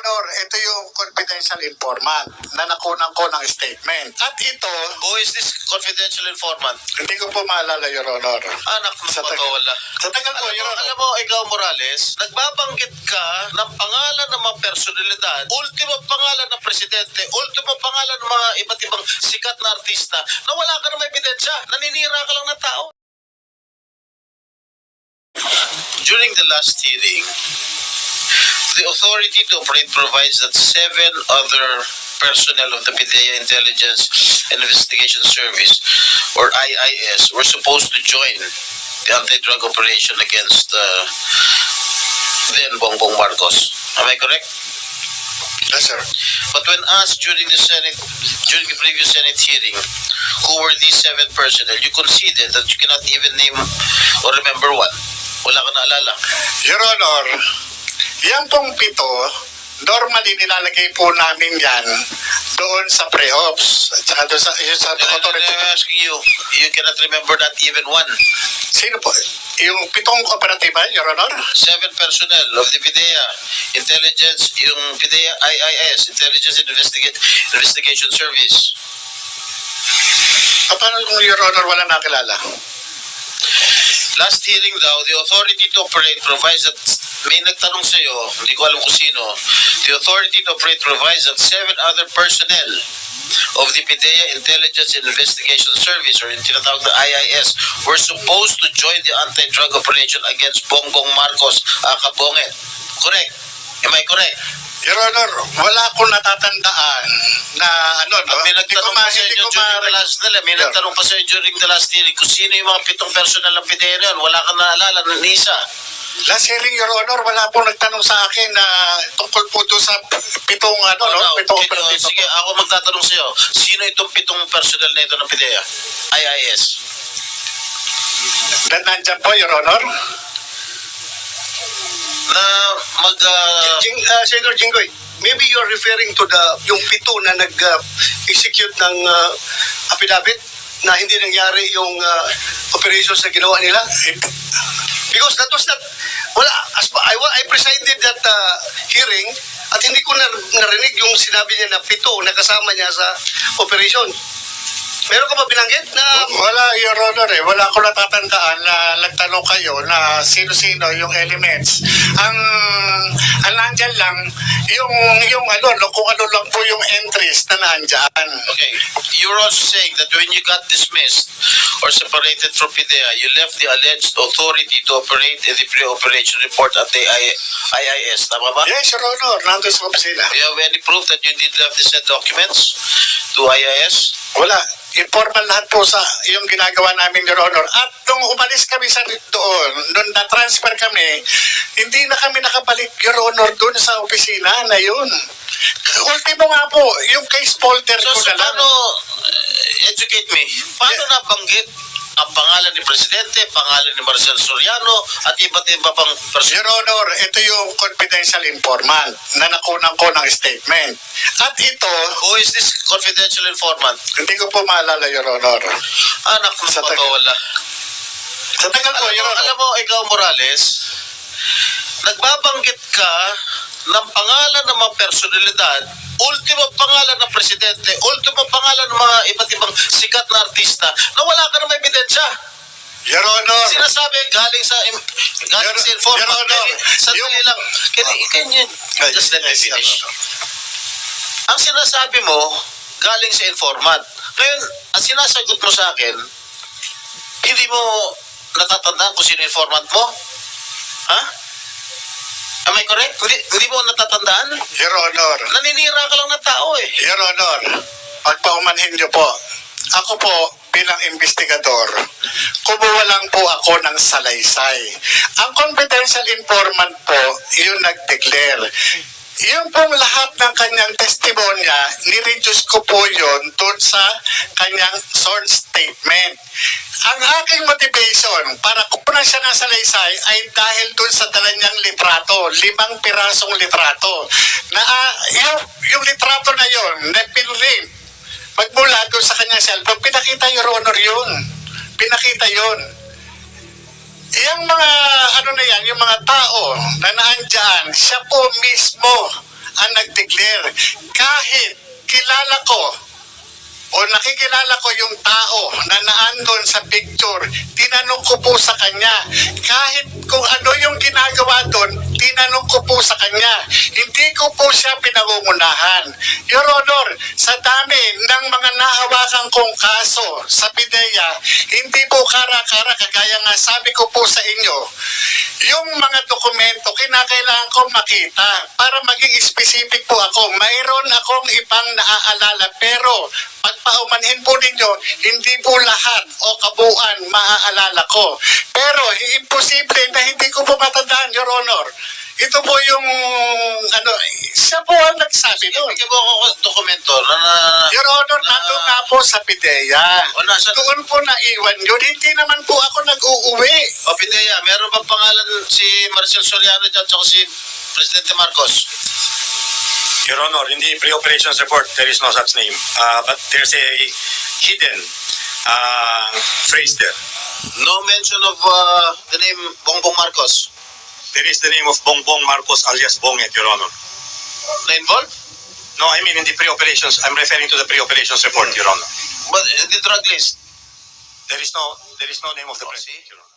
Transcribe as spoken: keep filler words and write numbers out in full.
Honor, ito yung confidential informant na nakunan ko ng statement. At ito, Who is this confidential informant? hindi ko po maalala, Your Honor. Anak ng Sa tagal- patawala. Sa tagal po, Alam Your mo, Honor. alam mo, ikaw Morales, nagbabanggit ka ng pangalan ng mga personalidad, ultimo pangalan ng presidente, ultimo pangalan ng mga iba't ibang sikat na artista na wala ka namang ebidensya. Naninira ka lang ng tao. During the last hearing, the authority to operate provides that seven other personnel of the PIDEA Intelligence and Investigation Service, or I I S, were supposed to join the anti-drug operation against uh, then Bongbong Marcos. Am I correct? Yes, sir. But when asked during the Senate, during the previous Senate hearing, who were these seven personnel, you conceded that you cannot even name or remember one. Wala ka naalala. Your Honor, yan pong pito, normally nilalagay po namin yan doon sa pre-ops. At saka doon sa, yun sa And I'm authority. asking you, you cannot remember not even one. Sino po? Yung pitong operatiba, Your Honor? Seven personnel of the PIDEA Intelligence, yung PIDEA I I S, Intelligence and Investiga- Investigation Service. Ah, paano kung Your Honor wala nakilala? Last hearing daw, the authority to operate provides that, may nagtanong sa iyo, hindi ko alam kung sino, the authority to operate provides that seven other personnel of the PIDEA Intelligence and Investigation Service, or yung tinatawag na I I S, were supposed to join the anti-drug operation against Bongbong Marcos Akabonget. Correct? Am I correct? Your Honor, wala akong natatandaan na ano, no? At may Hindi ko nagtanong ma- pa sa hindi inyo ko during the ma- last nila, may Yeah. nagtanong pa sa inyo during the last hearing kung sino yung mga pitong personal ng PIDEA na yun. Wala kang naalala ng isa. Last hearing, Your Honor, wala pong nagtanong sa akin na tungkol po doon sa pitong ano, no? Now, Pitong can you- operatiba. sige, ako magtatanong sa iyo. Sino itong pitong personal na ito ng PIDEA? I I S. Na nandyan po, Your Honor? Na mag... Uh, Jing, uh, Senator Jinggoy, maybe you're referring to the yung pito na nag-execute ng uh, affidavit na hindi nangyari yung uh, operations na ginawa nila? Because that was not, wala, as, I, I presided that uh, hearing at hindi ko na, narinig yung sinabi niya na pito na kasama niya sa operation. Meron ka ba binanggit na... Wala, Your Honor, eh. Wala ko natatandaan na nagtanong kayo na sino-sino yung elements. Ang, ang nandyan lang, yung, yung ano, no, kung ano lang po yung entries na nandyan. okay, you were also saying that when you got dismissed or separated from PIDEA, you left the alleged authority to operate in the pre-operation report at the I I S. Tama ba? Yes, Your Honor, nandun sa opisina. Do you have any proof that you did have the said documents to I I S? Wala. Informal lahat po sa yung ginagawa namin, Your Honor. At nung umalis kami sa doon, nung na-transfer kami, hindi na kami nakabalik, Your Honor, doon sa opisina na yun. Ultimo nga po, yung case folder So, ko so na lang. paano, uh, educate me, paano Yeah. nabanggit ang pangalan ni Presidente, pangalan ni Marcel Soriano, at iba't iba pang person? Your Honor, ito yung confidential informant na nakunan ko ng statement. At ito, Who is this confidential informant? hindi ko po maalala, Your Honor. Anak ng Sa tagal- patawala. Sa tagal po, Alam Your mo, Honor. alam mo, ikaw Morales, nagbabanggit ka ng pangalan ng mga personalidad, ultimo pangalan ng presidente, ultimo pangalan ng mga iba't ibang sikat na artista na wala ka namang ebidensya. Your Honor. Sinasabi galing sa im- galing Your- sa informant. Your Honor, Sandali yung- lang. Can, you- can you just let me Yes, Your finish? Honor. Ang sinasabi mo, galing sa informant. Ngayon, ang sinasagot mo sa akin, hindi mo natatandaan kung sino informant mo? Ha? Am I correct? Hindi, hindi mo natatandaan? Your Honor. Naninira ka lang ng tao eh. Your Honor, pagpaumanhin niyo po, ako po bilang investigador, kumuha lang po ako ng salaysay. Ang confidential informant po, yung nag-declare. Yung pong lahat ng kanyang testimonya, nireduce ko po yun doon sa kanyang sworn statement. Ang aking motivation para kunan siya ng salaysay ay dahil doon sa dala niyang litrato, limang pirasong litrato. Na uh, yung, yung litrato na yon na pinrint, magmula doon sa kanyang cellphone, pinakita Your Honor yun. Pinakita yun. Yung mga, ano na yan, yung mga tao na naandyan, siya po mismo ang nag-declare. Kahit kilala ko o nakikilala ko yung tao na naandun sa picture, tinanong ko po sa kanya. Kahit kung ano yung ginagawa doon, tinanong ko po sa kanya. Hindi ko po siya pinangungunahan. Your Honor, sa dami ng mga nahawakan kong kaso sa PIDEA, hindi po kara-kara, kagaya nga sabi ko po sa inyo, yung mga dokumento, kinakailangan ko makita para maging specific po ako. Mayroon akong ibang naaalala, pero pagpaumanhin po ninyo, hindi po lahat o kabuuan maaalala ko. Pero imposible na hindi ko po matandaan, Your Honor. Ito po yung, ano, siya po ang nagsabi doon. Bigyan mo ako ng dokumento na... na Your Honor, na- nandun nga po sa PIDEA. O nasa... Doon po naiwan yun. Hindi naman po ako nag-uuwi. O Pidea, meron bang pangalan si Marcel Soriano dyan at si Presidente Marcos? Your Honor, in the pre-operations report, there is no such name. Uh, but there's a hidden uh, phrase there. No mention of uh, the name Bongbong Marcos There is the name of Bongbong Marcos alias Bonget, Your Honor. na involved? No, I mean in the pre-operations, I'm referring to the pre-operations report, Your Honor. But in the drug list? There is no, there is no name of the Oh, president, see? Your Honor.